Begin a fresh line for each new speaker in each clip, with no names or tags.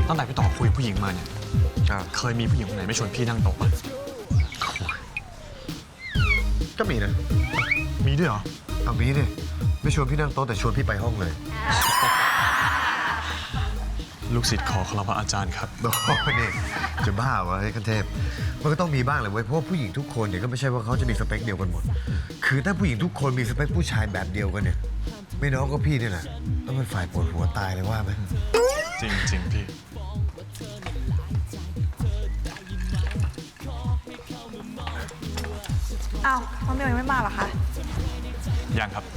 ตั้งแต่พี่ต่อคุยกับผู้หญิงมาเนี่ยเคยมีผู้หญิงคนไหนไม่ชวนพี่นั่งโต๊ะปะ
ก็มีนะ
มีด้วยเหรอ
เอามีดิไม่ชวนพี่นั่งโต๊ะแต่ชวนพี่ไปห้องเลย
ลูกศิษย์ขอคารวะอาจารย์ครับ
โอ้โหนี่จะบ้าวะไอ้คันเทพมันก็ต้องมีบ้างแหละเว้ยเพราะว่าผู้หญิงทุกคนเนี่ยก็ไม่ใช่ว่าเขาจะมีสเปคเดียวกันหมดคือถ้าผู้หญิงทุกคนมีสเปคผู้ชายแบบเดียวกันเนี่ยไม่น้องก็พี่เนี่ยแหละต้องเป็นฝ่ายปวดหัวตายเลยว่าไหม
จริงพี่
อ้าวน้องเมลยังไม่มาเหรอคะ
ยังครับ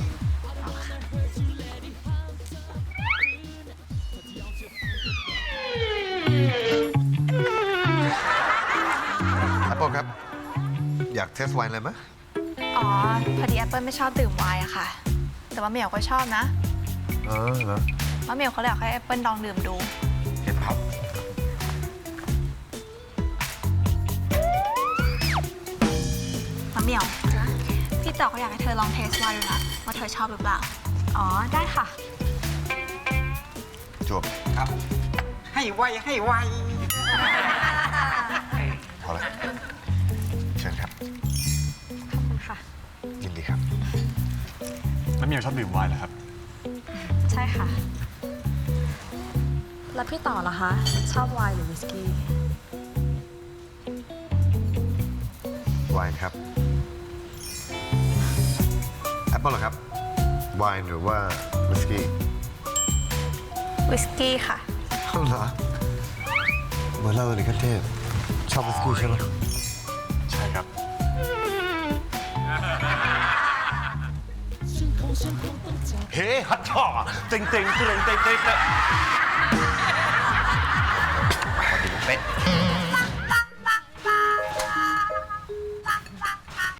แอปเปิลครับอยากเทสไวน์อะไรไหม
อ๋อ พอดีแอปเปิลไม่ชอบดื่มไวน์อะค่ะ แต่ว่าเมลก็ชอบนะ
เหรอ
ว่าเมลเขาเลยอยากให้แอปเปิลลองดื่มดู
เห็นครับ
มะเหมียวพี่ต่อเขาอยากให้เธอลองเทสไวน์ดูนะว่าเธอชอบหรือเปล่า อ๋อ ได้ค่ะ
จวบ
ครับ ให้ไวให้ไว
พอละเชิญครับ
ขอบคุณค่ะ
ยินดีครับ
แล้วเมียชอบดื่มไวน์เหรอครับ
ใช่ค่ะ
แล้วพี่ต่อล่ะคะ ชอบไวน์หรือวิสกี้
ไวน์ครับแอปเปิลเหรอครับไวน์หรือว่าวิสกี้
วิสกี้ค่ะ
เหรอเหมือนเราเลยคันเทพชอบวิสกี้ใช่ไหม
ใช่ครับ
เฮ้ฮัทช่อเต็งเต็งเต็งเต็งเต็งเต็ง
เป็ด